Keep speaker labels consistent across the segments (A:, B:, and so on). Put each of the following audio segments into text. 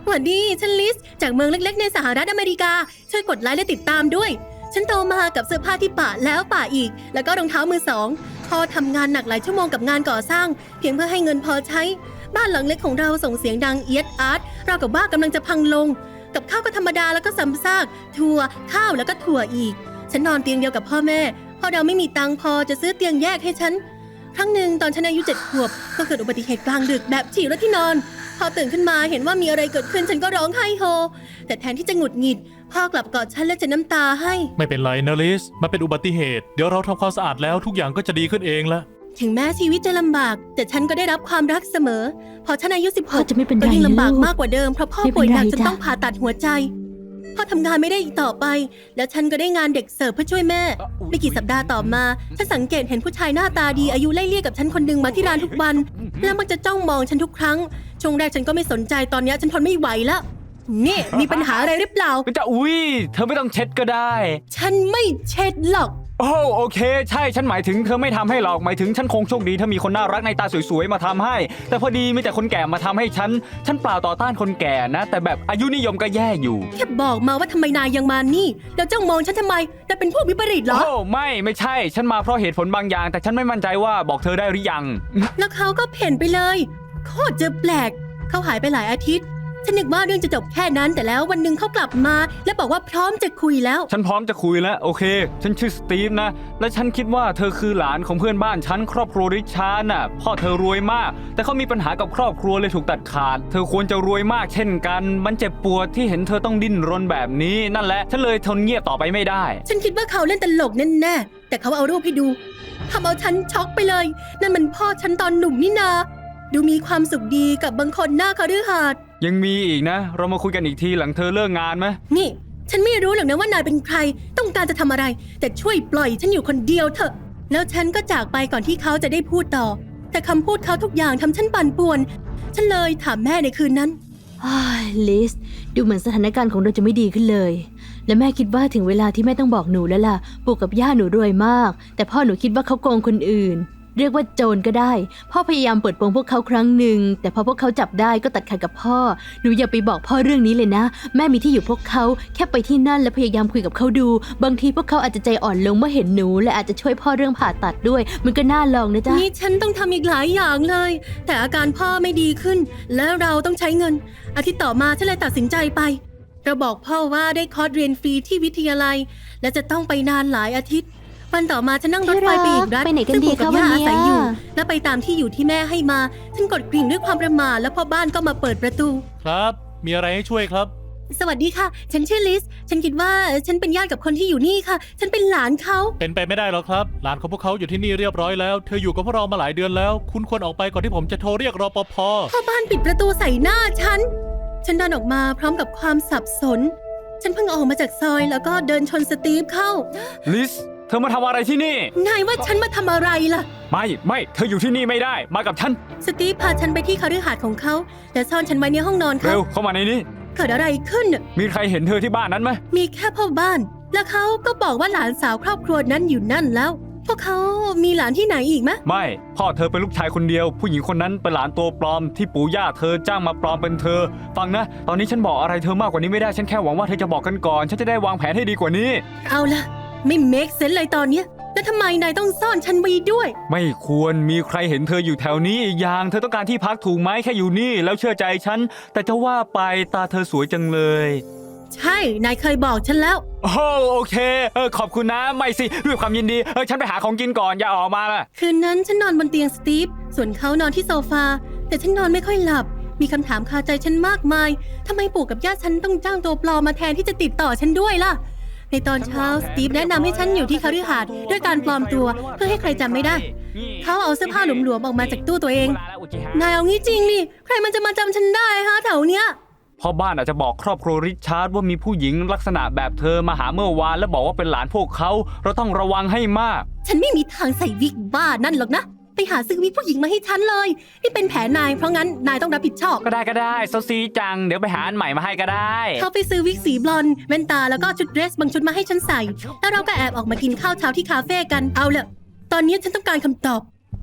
A: สวัสดีฉันลิสจากเมืองเล็กๆในสหรัฐอเมริกาช่วยกดไลค์และติดตามด้วยฉันโตมากับเสื้อผ้าที่ปะแล้วปะอีกแล้วก็รองเท้ามือสองพ่อทำงานหนักหลายชั่วโมงกับงานก่อสร้างเพียงเพื่อให้เงินพอใช้บ้านหลังเล็กของเราส่งเสียงดังเอียดอาร์ตราวกับว่ากำลังจะพังลงกับข้าวก็ธรรมดาแล้วก็ซ้ำซากถั่วข้าวแล้วก็ถั่วอีกฉันนอนเตียงเดียวกับพ่อแม่พ่อเราไม่มีตังค์พอจะซื้อเตียงแยกให้ฉันครั้งหนึ่งตอนฉันอายุ7 ขวบก็เกิดอุบัติเหตุกลางดึกแบบฉี่รถที่นอนพอตื่นขึ้นมาเห็นว่ามีอะไรเกิดขึ้นฉันก็ร้องไห้โฮแต่แทนที่จะหงุดหงิดพ่อกลับกอดฉันและเช็ดน้ำตาให้
B: ไม่เป็นไรนะลิสมันเป็นอุบัติเหตุเดี๋ยวเราทำความสะอาดแล้วทุกอย่างก็จะดีขึ้นเองละ
A: ถึงแม้ชีวิตจะลำบากแต่ฉันก็ได้รับความรักเสมอพอฉันอายุ16
C: จะไม่เป็นไร
A: ก็ยิ่งลำบาก
C: ลูก
A: มากกว่าเดิมเพราะพ่อ
C: ไม่เป็น
A: ป่วยหนัก
C: ไร
A: จน
C: จ้ะ
A: ต้องผ่าตัดหัวใจพ่อทำงานไม่ได้อีกต่อไปแล้วฉันก็ได้งานเด็กเสิร์ฟเพื่อช่วยแม่ไม่กี่สัปดาห์ต่อมาฉันสังเกตเห็นผู้ชายหน้าตาดีอายุไล่เลี่ยกับฉันคนหนึ่งมาที่ร้านทุกวันแล้วมักจะจ้องมองฉันทุกครั้งช่วงแรกฉันก็ไม่สนใจตอนนี้ฉันทนไม่ไหวแล้วนี่มีปัญหาอะไรหรือเปล่า
D: จะเธอไม่ต้องเช็ดก็ได้
A: ฉันไม่เช็ดหรอก
D: โอ้โอเคใช่ฉันหมายถึงเธอไม่ทำให้หรอกหมายถึงฉันคงโชคดีถ้ามีคนน่ารักในตาสวยๆมาทำให้แต่พอดีมีแต่คนแก่มาทำให้ฉันเปล่าต่อต้านคนแก่นะแต่แบบอายุนิยมก็แย่อยู่
A: แค่บอกมาว่าทำไมนายยังมานี่แล้วจ้องมองฉันทำไมนายเป็นพวกวิปริตเหรอ
D: โอ้ไม่ใช่ฉันมาเพราะเหตุผลบางอย่างแต่ฉันไม่มั่นใจว่าบอกเธอได้หรือยัง
A: แล้วเขาก็เพ่นไปเลยโคตรจะแปลกเขาหายไปหลายอาทิตย์ฉันนึกว่าเรื่องจะจบแค่นั้นแต่แล้ววันหนึ่งเขากลับมาและบอกว่าพร้อมจะคุยแล้ว
D: ฉันพร้อมจะคุยแล้วโอเคฉันชื่อสตีฟนะและฉันคิดว่าเธอคือหลานของเพื่อนบ้านฉันครอบครัวริชาร์ดน่ะพ่อเธอรวยมากแต่เขามีปัญหากับครอบครัวเลยถูกตัดขาดเธอควรจะรวยมากเช่นกันมันเจ็บปวดที่เห็นเธอต้องดิ้นรนแบบนี้นั่นแหละฉันเลยทนเงียบต่อไปไม่ได้
A: ฉันคิดว่าเขาเล่นตลกแน่ๆแต่เขาเอารูปให้ดูทำเอาฉันช็อกไปเลยนั่นมันพ่อฉันตอนหนุ่มนี่นาดูมีความสุขดีกับบางคนหน้าคฤหาสน์
D: ยังมีอีกนะเรามาคุยกันอีกทีหลังเธอเลิกงานไหม
A: นี่ฉันไม่รู้หรอกนะว่านายเป็นใครต้องการจะทำอะไรแต่ช่วยปล่อยฉันอยู่คนเดียวเถอะแล้วฉันก็จากไปก่อนที่เขาจะได้พูดต่อแต่คำพูดเขาทุกอย่างทำฉันปั่นป่วนฉันเลยถามแม่ในคืนนั้น
C: ลิสดูเหมือนสถานการณ์ของเราจะไม่ดีขึ้นเลยและแม่คิดว่าถึงเวลาที่แม่ต้องบอกหนูแล้วล่ะปู่กับย่าหนูรวยมากแต่พ่อหนูคิดว่าเขาโกงคนอื่นเรียกว่าโจรก็ได้พ่อพยายามเปิดโปงพวกเขาครั้งหนึ่งแต่พอพวกเขาจับได้ก็ตัดขาดกับพ่อหนูอย่าไปบอกพ่อเรื่องนี้เลยนะแม่มีที่อยู่พวกเขาแค่ไปที่นั่นและพยายามคุยกับเขาดูบางทีพวกเขาอาจจะใจอ่อนลงเมื่อเห็นหนูและอาจจะช่วยพ่อเรื่องผ่าตัดด้วยมันก็น่าลองนะจ๊ะ
A: นี่ฉันต้องทำอีกหลายอย่างเลยแต่อาการพ่อไม่ดีขึ้นและเราต้องใช้เงินอาทิตย์ต่อมาฉันเลยตัดสินใจไปเราบอกพ่อว่าได้คอร์สเรียนฟรีที่วิทยาลัยและจะต้องไปนานหลายอาทิตย์วันต่อมาฉันนั่งรถไฟไปอีกรัฐซึ่งปู่กับย่าอาศัยอยู่และไปตามที่อยู่ที่แม่ให้มาฉันกดกริ่งด้วยความประหม่าแล้วพ่อบ้านก็มาเปิดประตู
B: ครับมีอะไรให้ช่วยครับ
A: สวัสดีค่ะฉันชื่อลิสฉันคิดว่าฉันเป็นญาติกับคนที่อยู่นี่ค่ะฉันเป็นหลานเขา
B: เป็นไปไม่ได้หรอกครับหลานของพวกเขาอยู่ที่นี่เรียบร้อยแล้วเธออยู่กับพวกเรามาหลายเดือนแล้วคุณควรออกไปก่อนที่ผมจะโทรเรียกรปภ.
A: พ่อบ้านปิดประตูใส่หน้าฉันเดินออกมาพร้อมกับความสับสนฉันเพิ่งออกมาจากซอยแล้วก็เดินชนสตีฟเข้า
D: ลิสเธอมาทำอะไรที่นี่
A: นายว่าฉันมาทำอะไรล่ะ
D: ไม่เธออยู่ที่นี่ไม่ได้มากับฉัน
A: สตีฟพาฉันไปที่คฤหาสน์ของเขาและซ่อนฉันไว้ในห้องนอนเขา
D: เร็วเข้ามาในนี้
A: เกิดอะไรขึ้น
D: มีใครเห็นเธอที่บ้านนั้นไหม
A: มีแค่พ่อบ้านแล้วเขาก็บอกว่าหลานสาวครอบครัวนั้นอยู่นั่นแล้วพวกเขามีหลานที่ไหนอีกไหม
D: ไม่พ่อเธอเป็นลูกชายคนเดียวผู้หญิงคนนั้นเป็นหลานตัวปลอมที่ปู่ย่าเธอจ้างมาปลอมเป็นเธอฟังนะตอนนี้ฉันบอกอะไรเธอมากกว่านี้ไม่ได้ฉันแค่หวังว่าเธอจะบอกกันก่อนฉันจะได้วางแผนให้ดีกว่านี้
A: เอาล่ะไม่เมคเซนส์เลยตอนเนี้ยแล้วทำไมนายต้องซ่อนฉันไว้ด้วย
D: ไม่ควรมีใครเห็นเธออยู่แถวนี้อีกอย่างเธอต้องการที่พักถูกไหมแค่อยู่นี่แล้วเชื่อใจฉันแต่จะว่าไปตาเธอสวยจังเลย
A: ใช่นายเคยบอกฉันแล้ว
D: โอเคขอบคุณนะไม่สิด้วยความยินดีฉันไปหาของกินก่อนอย่าออกมาล่ะ
A: คืนนั้นฉันนอนบนเตียงสตีฟส่วนเขานอนที่โซฟาแต่ฉันนอนไม่ค่อยหลับมีคำถามคาใจฉันมากมายทำไมปู่กับย่าฉันต้องจ้างตัวปลอมมาแทนที่จะติดต่อฉันด้วยล่ะในตอนเช้าสตีฟแนะนำให้ฉันอยู่ที่คฤหาสน์ด้วยการปลอมตัวเพื่อให้ใครจำไม่ได้เขาเอาเสื้อผ้าหลวมๆออกมาจากตู้ตัวเองนายเอางี้จริงนี่ใครมันจะมาจำฉันได้ฮะแถวเนี้ย
D: พ่อบ้านอาจจะบอกครอบครัวริชาร์ดว่ามีผู้หญิงลักษณะแบบเธอมาหาเมื่อวานและบอกว่าเป็นหลานพวกเขาเราต้องระวังให้มาก
A: ฉันไม่มีทางใส่วิกบ้านั่นหรอกนะไปหาซื้อวิกผู้หญิงมาให้ฉันเลยนี่เป็นแผนนายเพราะงั้นนายต้องรับผิดชอบ
D: ก็ได้เซาซีจังเดี๋ยวไปหาอันใหม่มาให้ก็ได้
A: เขาไปซื้อวิกสีบลอนด์แว่นตาแล้วก็ชุดเดรสบางชุดมาให้ฉันใส่แล้วเราก็แอบออกมากินข้าวเช้าที่คาเฟ่กันเอาละตอนนี้ฉันต้องการคำตอบ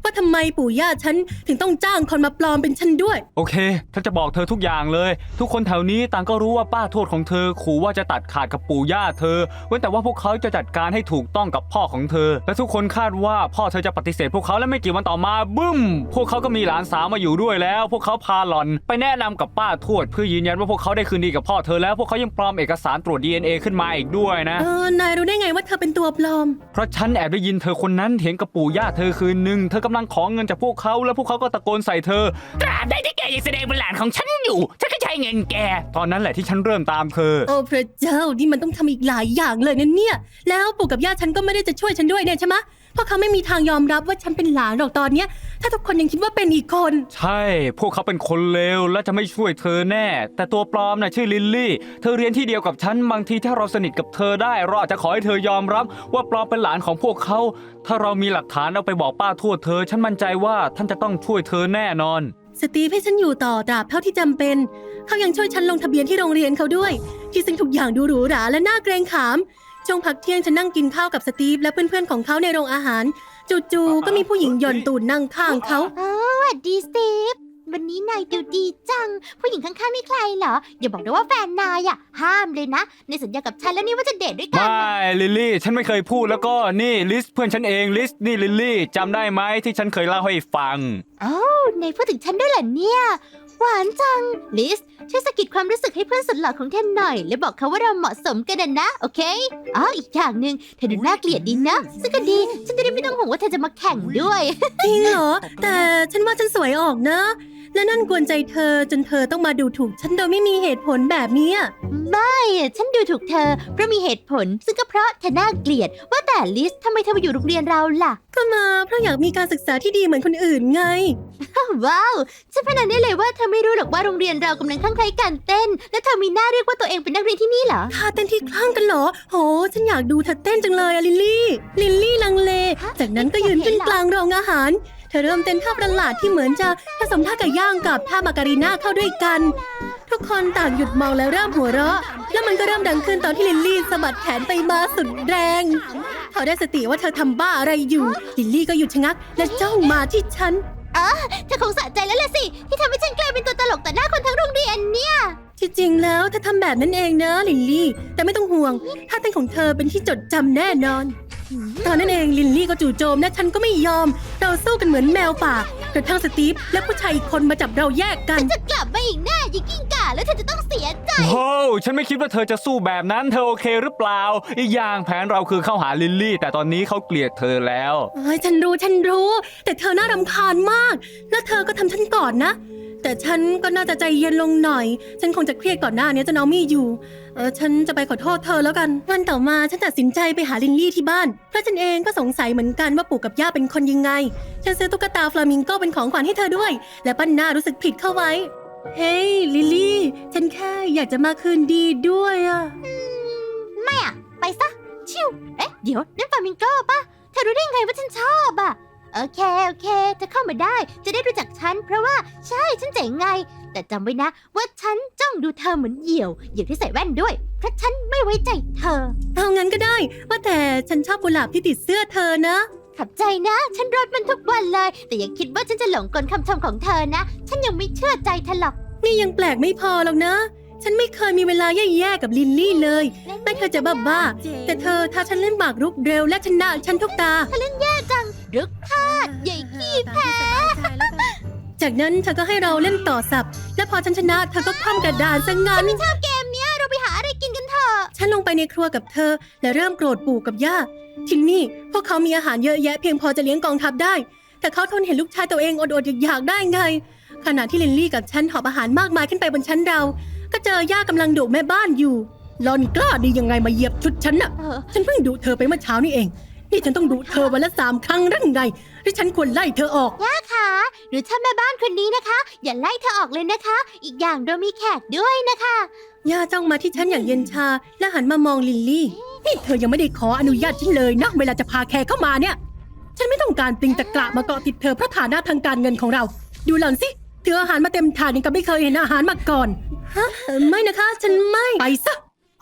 A: ว่าทำไมปู่ย่าฉันถึงต้องจ้างคนมาปลอมเป็นฉันด้วย
D: โอเคฉันจะบอกเธอทุกอย่างเลย ทุกคนแถวนี้ต่างก็รู้ว่าป้าทวดของเธอขู่ว่าจะตัดขาดกับปู่ย่าเธอเว้นแต่ว่าพวกเขาจะจัดการให้ถูกต้องกับพ่อของเธอ และทุกคนคาดว่าพ่อเธอจะปฏิเสธพวกเขาและไม่กี่วันต่อมาบึ้มพวกเขาก็มีหลานสาวมาอยู่ด้วยแล้ว พวกเขาพาหล่อนไปแนะนำกับป้าทวดเพื่อยืนยันว่าพวกเขาได้คืนดีกับพ่อเธอแล้วพวกเขายังปลอมเอกสารตรวจ DNA ขึ้นมาอีกด้วยนะ
A: นายรู้ได้ไงว่าเธอเป็นตัวปลอม
D: เพราะฉันแอบได้ยินเธอคนนั้นเถียงกับปู่ย่าเธอคืนหนึ่งเธอกำลังขอเงินจากพวกเขาแล้วพวกเขาก็ตะโกนใส่เธอตราบใดที่แกยังแสดงเป็นหลานของฉันอยู่ฉันก็ใช้เงินแกตอนนั้นแหละที่ฉันเริ่มตามเธอ
A: โอ้พระเจ้านี่มันต้องทำอีกหลายอย่างเลยนะเนี่ยแล้วปู่กับย่าฉันก็ไม่ได้จะช่วยฉันด้วยเนี่ยใช่ไหมเพราะเขาไม่มีทางยอมรับว่าฉันเป็นหลานหรอกตอนเนี้ยถ้าทุกคนยังคิดว่าเป็นอีกคน
D: ใช่พวกเขาเป็นคนเลวและจะไม่ช่วยเธอแน่แต่ตัวปลอมน่ะชื่อลิลลี่เธอเรียนที่เดียวกับฉันบางทีถ้าเราสนิทกับเธอได้เราอาจจะขอให้เธอยอมรับว่าปลอมเป็นหลานของพวกเขาถ้าเรามีหลักฐานเอาไปบอกป้าทวดเธอฉันมั่นใจว่าท่านจะต้องช่วยเธอแน่นอน
A: สตีฟให้ฉันอยู่ต่อตราบเท่าที่จำเป็นเขายังช่วยฉันลงทะเบียนที่โรงเรียนเขาด้วยที่ซึ่งทุกอย่างดูหรูหราและน่าเกรงขามช่วงพักเที่ยงฉันนั่งกินข้าวกับสตีฟและเพื่อนๆของเขาในโรงอาหารจู่ๆก็มีผู้หญิงหย่อนตูดนั่งข้างเขา
E: สวัสดีสตีฟวันนี้นายดูดีจัง ผู้หญิงข้างๆนี่ใครเหรอ อย่าบอกนะว่าแฟนนายอะห้ามเลยนะ ในสัญญากับฉันแล้วนี่ว่าจะเดทด้วยกัน
D: ไม่ลิลลี่ฉันไม่เคยพูดแล้วก็นี่ลิสเพื่อนฉันเองลิสนี่ลิลลี่จำได้ไหมที่ฉันเคยเล่าให้ฟัง
E: นายพูดถึงฉันด้วยเหรอเนี่ย หวานจัง ลิสช่วยสะกิดความรู้สึกให้เพื่อนสุดหล่อของเธอหน่อย และบอกเขาว่าเราเหมาะสมกันนะ โอเคอีกอย่างหนึ่งเธอดูน่าเกลียดดีนะ ซึ่งก็ดี ฉันจะได้ไม่ต้องห่วงว่าเธอจะมาแข่งด้วย
A: จริงเหรอแต่ฉันว่าฉันสวยออกนะและนั่นกวนใจเธอจนเธอต้องมาดูถูกฉันโดยไม่มีเหตุผลแบบนี้
E: ไม่ฉันดูถูกเธอเพราะมีเหตุผล ซึ่งก็เพราะเธอน่าเกลียด ว่าแต่ลิสทำไมเธอมาอยู่โรงเรียนเราล่ะ
A: ก็มาเพราะอยากมีการศึกษาที่ดีเหมือนคนอื่นไง
E: ว้าวฉันพนันได้เลยว่าเธอไม่รู้หรอกว่าโรงเรียนเรากำลังคลั่งไคล้การเต้น และเธอมีหน้าเรียกว่าตัวเองเป็นนักเรียนที่นี่เหรอ
A: ท่าเต้นที่คลั่งกันเหรอโหฉันอยากดูเธอเต้นจังเลยอะลิลลี่ลังเล จากนั้นก็ยืนขึ้นกลางโรงอาหารเธอเริ่มเต้นท่าประหลาดที่เหมือนจะผสมท่าไก่ย่างกับท่ามาการีน่าเข้าด้วยกัน ทุกคนต่างหยุดมองแล้วเริ่มหัวเราะแล้วมันก็เริ่มดังขึ้นตอนที่ลิลลี่สะบัดแขนไปมาสุดแรงพอได้สติว่าเธอทำบ้าอะไรอยู่ลิลลี่ก็หยุดชะงักและจ้องมาที่ฉัน
E: เธอคงสะใจแล้วล่ะสิ ที่ทำให้ฉันกลายเป็นตัวตลกต่อหน้าคนทั้งโรงเรียนเนี่ย
A: ที่จริงแล้วเธอทำแบบนั้นเองนะลิลลี่แต่ไม่ต้องห่วงท่าเต้นของเธอเป็นที่จดจำแน่นอนตอนนั้นเองลิลลี่ก็จู่โจมและฉันก็ไม่ยอมเราสู้กันเหมือนแมวป่ากระทั่งสตีฟและผู้ชายอีกคนมาจับเราแยกกัน
E: จะกลับมาอีกแน่ยิงกิ้งก่าแล้วเธอจะต้องเสียใจ
D: โอ้ฉันไม่คิดว่าเธอจะสู้แบบนั้นเธอโอเคหรือเปล่าอีกอย่างแผนเราคือเข้าหาลิลลี่แต่ตอนนี้เขาเกลียดเธอแล้ว
A: ฉันรู้ แต่เธอน่ารำคาญมาก แล้วเธอก็ทำฉันก่อนนะ แต่ฉันก็น่าจะใจเย็นลงหน่อย ฉันคงจะเครียดก่อนหน้านี้จนเอาไม่อยู่ ฉันจะไปขอโทษเธอแล้วกัน วันต่อมาฉันตัดสินใจไปหาลินลี่ที่บ้าน เพราะฉันเองก็สงสัยเหมือนกันว่าปู่กับย่าเป็นคนยังไง ฉันซื้อตุ๊กตาฟลามิงโกเป็นของขวัญให้เธอด้วย และปั้นหน้ารู้สึกผิดเข้าไว้ เฮ้ยลิลลี่ ฉันแค่อยากจะมาคืนดีด้วยอะ
E: ไม่อะไปซะ ชิวเดี๋ยวนั่นฟลามิงโก้ปะเธอรู้ได้ไงว่าฉันชอบอะโอเคเธอเข้ามาได้ จะได้รู้จักฉัน เพราะว่าใช่ฉันเจ๋งไง แต่จำไว้นะว่าฉันจ้องดูเธอเหมือนเหยี่ยวที่ใส่แว่นด้วย เพราะฉันไม่ไว้ใจเธอ
A: เอางั้นก็ได้ ว่าแต่ฉันชอบกุหลาบที่ติดเสื้อเธอนะ
E: ขอบใจนะ ฉันรดมันทุกวันเลย แต่อย่าคิดว่าฉันจะหลงกลคำชมของเธอนะ ฉันยังไม่เชื่อใจเธอหรอก
A: นี่ยังแปลกไม่พอหรอกนะ ฉันไม่เคยมีเวลาแย่ๆกับลินลี่เลยแม้เธอจะบ้าๆแต่เธอถ้าฉันเล่นหมากรุกเร็วและชนะฉันทุกตา
E: รึกพาดใหญ่ขี้แพ้
A: จากนั้นเธอก็ให้เราเล่นต่อสับ และพอฉันชนะเธอก็คว่ำกระดานซะงั้น
E: ไม่ชอบเกมเนี้ยเราไปหาอะไรกินกันเถอะ
A: ฉันลงไปในครัวกับเธอ และเริ่มโกรธปู่กับย่าที่นี่พวกเขามีอาหารเยอะแยะเพียงพอจะเลี้ยงกองทัพได้ แต่เขาทนเห็นลูกชายตัวเองอดๆอยากๆได้ไง ขณะที่ลินลี่กับฉันหอบอาหารมากมายขึ้นไปบนชั้นเรา ก็เจอย่ากำลังดุแม่บ้านอยู่หลอนกล้าดียังไงมาเหยียบชุดฉันน่ะ ฉันเพิ่งดุเธอไปเมื่อเช้านี่เอง นี่ฉันต้องดุเธอวันละ3 ครั้งหรือไงหรือฉันควรไล่เธอออก
E: ค่ะหรือถ้าแม่บ้านคนนี้นะคะ อย่าไล่เธอออกเลยนะคะ อีกอย่างเรามีแขกด้วยนะคะ
A: ย่าจ้องมาที่ฉันอย่างเย็นชา และหันมามองลิลลี่ นี่เธอยังไม่ได้ขออนุญาตฉันเลยนะเวลาจะพาแขกเข้ามาเนี่ย ฉันไม่ต้องการปลิงตะกระมาเกาะติดเธอเพราะฐานะทางการเงินของเรา ดูหล่อนสิเธออาหารมาเต็มถาดยังกับไม่เคยเห็นอาหารมาก่อน ฮะ ไม่นะคะ ฉันไม่ ไปซะ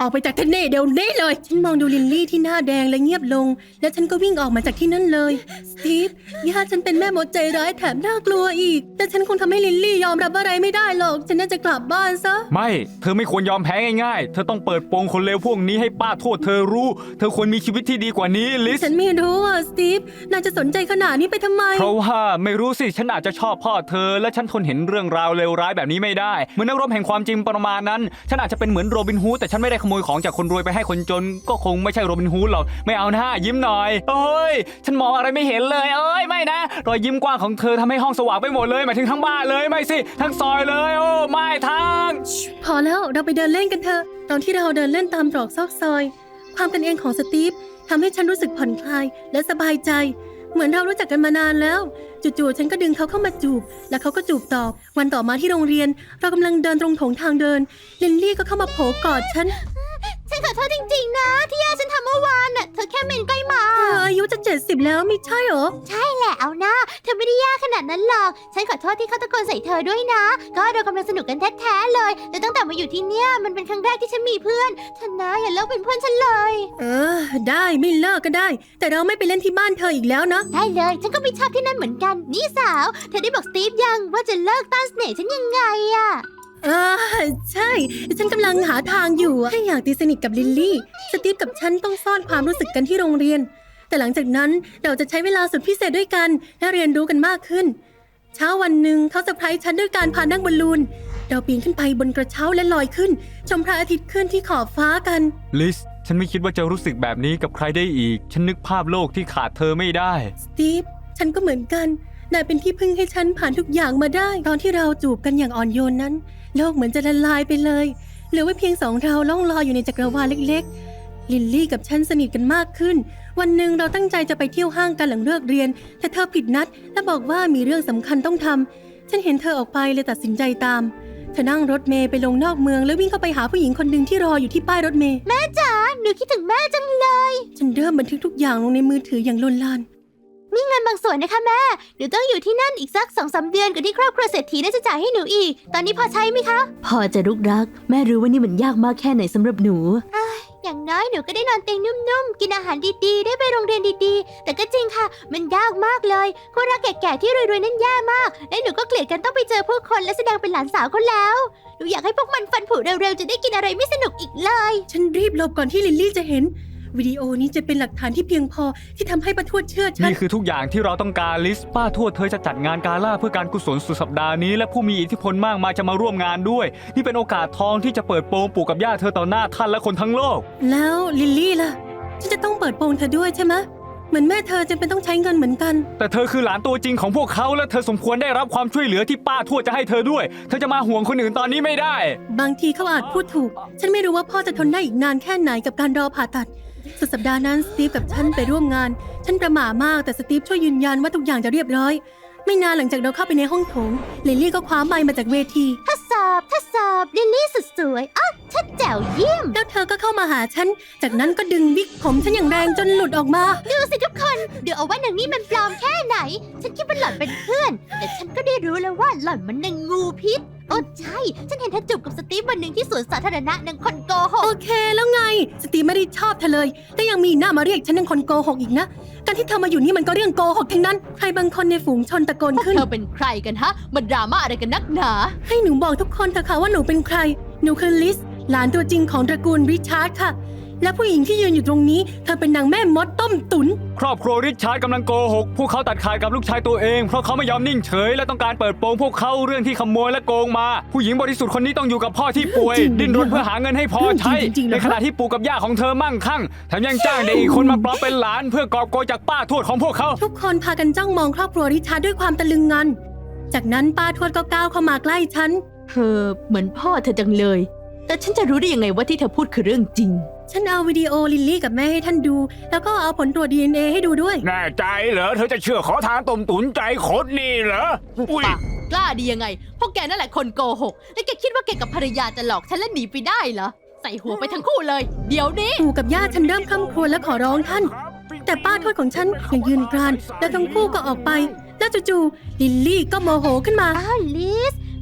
A: ออกไปจากที่นี่เดี๋ยวนี้เลย ฉันมองดูลินลี่ที่หน้าแดงและเงียบลง แล้วฉันก็วิ่งออกมาจากที่นั่นเลยสตีฟย่าฉันเป็นแม่มดใจร้ายแถมน่ากลัวอีก แต่ฉันคงทำให้ลินลี่ยอมรับอะไรไม่ได้หรอกฉันน่าจะกลับบ้านซะ
D: ไม่ เธอไม่ควรยอมแพ้ง่ายๆ เธอต้องเปิดโปงคนเลวพวกนี้ให้ป้าโทษเธอรู้ เธอควรมีชีวิตที่ดีกว่านี้ลิส
A: ฉันไม่รู้อ่ะสตีฟนายจะสนใจขนาดนี้ไปทำไม
D: เพราะว่าไม่รู้สิฉันอาจจะชอบพ่อเธอ และฉันทนเห็นเรื่องราวเลวร้ายแบบนี้ไม่ได้เหมือนนักรบแห่งความจริงประมาณนั้น ฉันอาจจะเป็นเหมือนโรบินฮูดแต่ฉันไม่ได้ขโมยของจากคนรวยไปให้คนจน ก็คงไม่ใช่โรบินฮูดหรอกไม่เอาหน้ายิ้มหน่อยโอ้ยฉันมองอะไรไม่เห็นเลยเอ้ยไม่นะรอยยิ้มกว้างของเธอทำให้ห้องสว่างไปหมดเลยหมายถึงทั้งบ้านเลยไม่สิทั้งซอยเลยโอ้ไม่ทั้ง
A: พอแล้วเราไปเดินเล่นกันเถอะตอนที่เราเดินเล่นตามตรอกซอกซอย ความเป็นเองของสตีฟทำให้ฉันรู้สึกผ่อนคลายและสบายใจ เหมือนเรารู้จักกันมานานแล้วจู่ๆฉันก็ดึงเขาเข้ามาจูบแล้วเขาก็จูบตอบวันต่อมาที่โรงเรียน เรากำลังเดินตรงโถงทางเดินลินลี่ก็เข้ามาโผล่กอดฉัน
E: ฉันขอโทษจริงๆนะที่ย่าฉันทำเมื่อวานน่ะเธอแค่เมนใกล้มา
A: เธออายุจะ70แล้วไม่ใช่เหรอ
E: ใช่แหละเอานะเธอไม่ได้ยากขนาดนั้นหรอก ฉันขอโทษที่เขาตะโกนใส่เธอด้วยนะ ก็เรากำลังสนุกกันแท้ๆเลยแต่ตั้งแต่มาอยู่ที่เนี่ยมันเป็นครั้งแรกที่ฉันมีเพื่อนเธอนะอย่าเลิกเป็นเพื่อนฉันเลย
A: ได้ไม่เลิกก็ได้ แต่เราไม่ไปเล่นที่บ้านเธออีกแล้วนะ
E: ได้เลย ฉันก็ไม่ชอบที่นั่นเหมือนกัน นี่สาว เธอได้บอกสตีฟยังว่าจะเลิกต้านเสน่ห์ฉันยังไงอะ
A: ใช่ฉันกำลังหาทางอยู่อะแค่อยากตีสนิทกับลิลลี่สตีฟกับฉันต้องซ่อนความรู้สึกกันที่โรงเรียน แต่หลังจากนั้นเราจะใช้เวลาสุดพิเศษด้วยกันและเรียนรู้กันมากขึ้น เช้าวันหนึ่งเขาเซอร์ไพรส์ฉันด้วยการพานั่งบอลลูนเราปีนขึ้นไปบนกระเช้าและลอยขึ้น ชมพระอาทิตย์ขึ้นที่ขอบฟ้ากัน
D: ลิสฉันไม่คิดว่าจะรู้สึกแบบนี้กับใครได้อีก ฉันนึกภาพโลกที่ขาดเธอไม่ได้
A: สตีฟฉันก็เหมือนกันนายเป็นที่พึ่งให้ฉันผ่านทุกอย่างมาได้ ตอนที่เราจูบกันอย่างอ่อนโยนนั้น โลกเหมือนจะละลายไปเลยเหลือไว้เพียงสองเราล่องลอยอยู่ในจักรวาลเล็กๆลิลลี่กับฉันสนิทกันมากขึ้น วันหนึ่งเราตั้งใจจะไปเที่ยวห้างกันหลังเลิกเรียน แต่เธอผิดนัดและบอกว่ามีเรื่องสำคัญต้องทำฉันเห็นเธอออกไปเลยตัดสินใจตามเธอนั่งรถเมล์ไปลงนอกเมืองแล้ววิ่งเข้าไปหาผู้หญิงคนหนึ่งที่รออยู่ที่ป้ายรถเมล์
E: แม่จ๋าหนูคิดถึงแม่จังเลย
A: ฉันเริ่มบันทึกทุกอย่างลงในมือถืออย่างลนลาน
E: มีเงินบางส่วนนะคะแม่หนูต้องอยู่ที่นั่นอีกสัก 2-3 เดือนก่อนที่ครอบครัวเศรษฐีน่าจะจ่ายให้หนูอีก ตอนนี้พอใช้ไหมคะ
C: พอจะลูกรัก แม่รู้ว่านี่มันยากมากแค่ไหนสำหรับหนู
E: อย่างน้อยหนูก็ได้นอนเตียงนุ่มๆ กินอาหารดีๆ ได้ไปโรงเรียนดีๆ แต่ก็จริงค่ะ มันยากมากเลยคู่รักแก่ๆที่รวยๆนั่นแย่มาก และหนูก็เกลียดกันต้องไปเจอผู้คนและแสดงเป็นหลานสาวเขาแล้ว หนูอยากให้พวกมันฟันผุเร็วๆ จะได้กินอะไรไม่สนุกอีกเลย
A: ฉันรีบหลบก่อนที่ลิลลี่จะเห็น วิดีโอนี้จะเป็นหลักฐานที่เพียงพอที่ทำให้ป้าทวดเชื่อฉัน
D: นี่คือทุกอย่างที่เราต้องการลิสป้าทวดเธอจะจัดงานกาล่าเพื่อการกุศลสุดสัปดาห์นี้และผู้มีอิทธิพลมากมายจะมาร่วมงานด้วย นี่เป็นโอกาสทองที่จะเปิดโปงปู่กับย่าเธอต่อหน้าท่านและคนทั้งโลก
A: แล้วลิลลี่ล่ะ ฉันจะต้องเปิดโปงเธอด้วยใช่ไหมเหมือนแม่เธอจะเป็นต้องใช้เงินเหมือนกัน
D: แต่เธอคือหลานตัวจริงของพวกเขาและเธอสมควรได้รับความช่วยเหลือที่ป้าทวดจะให้เธอด้วย เธอจะมาห่วงคนอื่นตอนนี้ไม่ได้
A: บางทีเขาอาจพูดถูก ฉันไม่รู้ว่าพ่อจะทนได้อีกนานแค่ไหนกับการรอผ่าตัด สุดสัปดาห์นั้นสตีฟกับฉันไปร่วมงาน ฉันประหม่ามากแต่สตีฟช่วยยืนยันว่าทุกอย่างจะเรียบร้อย ไม่นานหลังจากเราเข้าไปในห้องโถงลิลลี่ก็คว้าไมค์มาจากเวที
E: ทดสอบลิลลี่สุดสวยอ๋อชัดแจ๋วเยี่ยม
A: แล้วเธอก็เข้ามาหาฉัน จากนั้นก็ดึงวิกผมฉันอย่างแรงจนหลุดออกมา
E: ดูสิทุกคนเดี๋ยวเอาว่าหนังนี่มันปลอมแค่ไหน ฉันคิดว่าหล่อนเป็นเพื่อน แต่ฉันก็ได้รู้แล้วว่าหล่อนมันนางงูพิษโอ้ใช่ ฉันเห็นเธอจูบกับสตีฟวันหนึ่งที่สวนสาธารณะนางคนโกห
A: โอก เคแล้วไง สตีฟไม่ได้ชอบเธอเลย แต่ยังมีหน้ามาเรียกฉันเป็นคนโกหกอีกนะ การที่เธอมาอยู่นี่มันก็เรื่องโกหกทั้งนั้น ใครบางคนในฝูงชนตะโกนขึ้น
E: เธอเป็นใครกันฮะมันดราม่าอะไรกันนักหนา
A: ให้หนูบอกทุกคนเถอะค่ะว่าหนูเป็นใคร หนูคือลิส หลานตัวจริงของตระกูลริชาร์ดค่ะ และผู้หญิงที่ยืนอยู่ตรงนี้ เธอเป็นนางแม่มดต้มตุ๋น
D: ครอบครัวริชาร์ดกำลังโกหกพวกเขาตัดขาดกับลูกชายตัวเองเพราะเขาไม่ยอมนิ่งเฉยและต้องการเปิดโปงพวกเขาเรื่องที่ขโมยและโกงมา ผู้หญิงบริสุทธิ์คนนี้ต้องอยู่กับพ่อที่ป่วย
A: จริงๆ
D: ดิ้นรนเพื่อหาเงินให้พอใช้
A: จริงๆเหรอ
D: ในขณะที่ปู่กับย่าของเธอมั่งคั่งแถมยังจ้างเด็กอีกคนมาปลอมเป็นหลานเพื่อกอบโกยจากป้าทวดของพวกเขา
A: ทุกคนพากันจ้องมองครอบครัวริชาร์ดด้วยความตะลึงงัน จากนั้นป้าทวดก็ก้าวเข้ามาใกล้ฉัน
C: เธอเหมือนพ่อเธอจังเลย แต่ฉันจะรู้ได้ยังไงว่าที่เธอพูดคือเรื่องจริง
A: ฉันเอาวิดีโอลิลลี่กับแม่ให้ท่านดู แล้วก็เอาผลตรวจ DNA ให้ดูด้วย
F: แน่ใจเหรอเธอจะเชื่อขอทานต้มตุ๋นใจคดนี่เหรออุ้ย
G: ปากกล้าดียังไง พวกแกนั่นแหละคนโกหก และแกคิดว่าแกกับภรรยาจะหลอกฉันและหนีไปได้เหรอ ใส่หัวไปทั้งคู่เลย เดี๋ยวนี้
A: ปู่กับย่าฉันเริ่มคร่ำครวญและขอร้องท่าน แต่ป้าทวดของฉันยังยืนกราน แล้วทั้งคู่ก็ออกไป แล้วจู่ๆลิลลี่ก็โมโหขึ้นมา
E: อ้าวลิส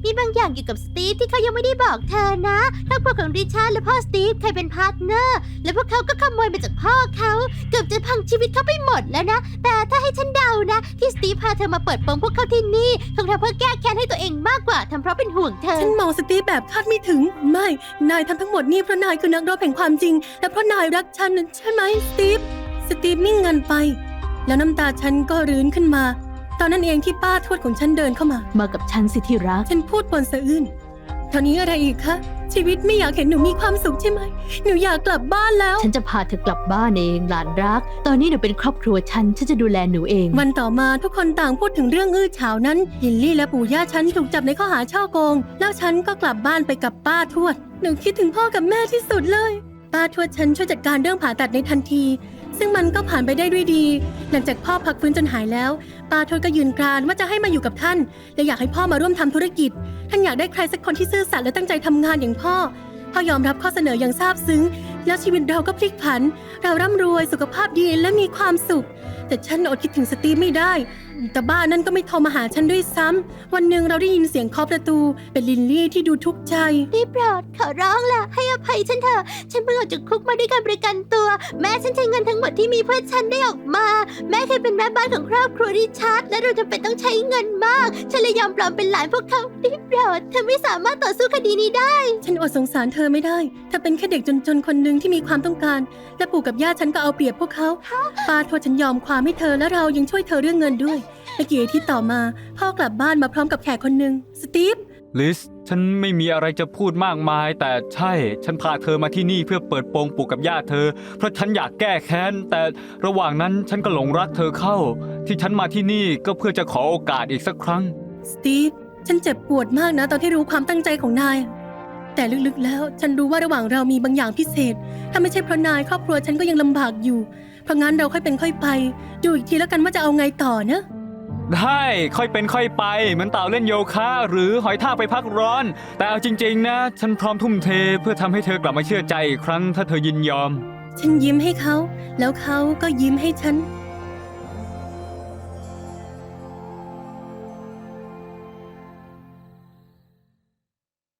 E: มีบางอย่างเกี่ยวกับสตีฟที่เขายังไม่ได้บอกเธอนะครอบครัวของริชาร์ดและพ่อสตีฟเคยเป็นพาร์ทเนอร์ และพวกเขาก็ขโมยมาจากพ่อเขาเกือบจะพังชีวิตเขาไปหมดแล้วนะ แต่ถ้าให้ฉันเดานะ ที่สตีฟพาเธอมาเปิดโปงพวกเขาที่นี่คงทำเพื่อแก้แค้นให้ตัวเองมากกว่าทำเพราะเป็นห่วงเธอ
A: ฉันมองสตีฟแบบคาดไม่ถึง ไม่ นายทำทั้งหมดนี่เพราะนายคือนักรบแห่งความจริง และเพราะนายรักฉันใช่ไหมสตีฟ สตีฟนิ่งเงินไป แล้วน้ำตาฉันก็รื้นขึ้นมา ตอนนั้นเองที่ป้าทวดของฉันเดินเข้ามา
C: มากับฉันสิที่รัก
A: ฉันพูดปนสะอื้นตอนนี้อะไรอีกคะ ชีวิตไม่อยากเห็นหนูมีความสุขใช่ไหม หนูอยากกลับบ้านแล้ว
C: ฉันจะพาเธอกลับบ้านเองหลานรัก ตอนนี้หนูเป็นครอบครัวฉันจะดูแลหนูเอง
A: วันต่อมาทุกคนต่างพูดถึงเรื่องอื้อฉาวนั้นลิลลี่และปู่ย่าฉันถูกจับในข้อหาช่อโกง แล้วฉันก็กลับบ้านไปกับป้าทวด หนูคิดถึงพ่อกับแม่ที่สุดเลย ป้าทวดฉันช่วยจัดการเรื่องผ่าตัดในทันที ซึ่งมันก็ผ่านไปได้ด้วยดี หลังจากพ่อพักฟื้นจนหายแล้ว ป้าทวดก็ยืนกรานว่าจะให้มาอยู่กับท่าน และอยากให้พ่อมาร่วมทำธุรกิจ ท่านอยากได้ใครสักคนที่ซื่อสัตย์และตั้งใจทำงานอย่างพ่อยอมรับข้อเสนออย่างซาบซึ้ง แล้วชีวิตเราก็พลิกผัน เราร่ำรวยสุขภาพดีและมีความสุข แต่ฉันอดคิดถึงสตีฟไม่ได้ แต่บ้านนั้นก็ไม่โทรมาหาฉันด้วยซ้ำวันหนึ่งเราได้ยินเสียงเคาะประตู เป็นลินลี่ที่ดูทุกข์ใจ
E: ได้โปรดขอร้องล่ะให้อภัยฉันเถอะ ฉันเพิ่งออกจากคุกมาด้วยการประกันตัว แม่ฉันใช้เงินทั้งหมดที่มีเพื่อฉันได้ออกมา แม่เคยเป็นแม่บ้านของครอบครัวริชาร์ดและเราจำเป็นต้องใช้เงินมาก ฉันเลยยอมปลอมเป็นหลานพวกเขาได้โปรดเธอไม่สามารถต่อสู้คดีนี้ได้
A: ฉันอดสงสารเธอไม่ได้เธอเป็นแค่เด็กจนๆคนหนึ่งที่มีความต้องการ และปู่กับย่าฉันก็เอาเปรียบพวกเขาป้าทวดฉันยอมความให้เธอและเรายังช่วยเธอเรื่องเงินด้วยไม่กี่อาทิตย์ต่อมาพ่อกลับบ้านมาพร้อมกับแขกคนหนึ่งสตีฟ
D: ลิส ฉันไม่มีอะไรจะพูดมากมาย แต่ใช่ ฉันพาเธอมาที่นี่เพื่อเปิดโปงปู่กับย่าเธอ เพราะฉันอยากแก้แค้น แต่ระหว่างนั้นฉันก็หลงรักเธอเข้า ที่ฉันมาที่นี่ก็เพื่อจะขอโอกาสอีกสักครั้ง
A: สตีฟ ฉันเจ็บปวดมากนะตอนที่รู้ความตั้งใจของนาย แต่ลึกๆแล้วฉันรู้ว่าระหว่างเรามีบางอย่างพิเศษ ถ้าไม่ใช่เพราะนายครอบครัวฉันก็ยังลำบากอยู่ เพราะงั้นเราค่อยเป็นค่อยไป ดูอีกทีแล้วกันว่าจะเอาไงต่อนะ
D: ได้ค่อยเป็นค่อยไปเหมือนเต่าเล่นโยคะหรือหอยทากไปพักร้อน แต่เอาจริงๆนะฉันพร้อมทุ่มเทเพื่อทำให้เธอกลับมาเชื่อใจอีกครั้งถ้าเธอยินยอม
A: ฉันยิ้มให้เขา แล้วเขาก็ยิ้มให้ฉัน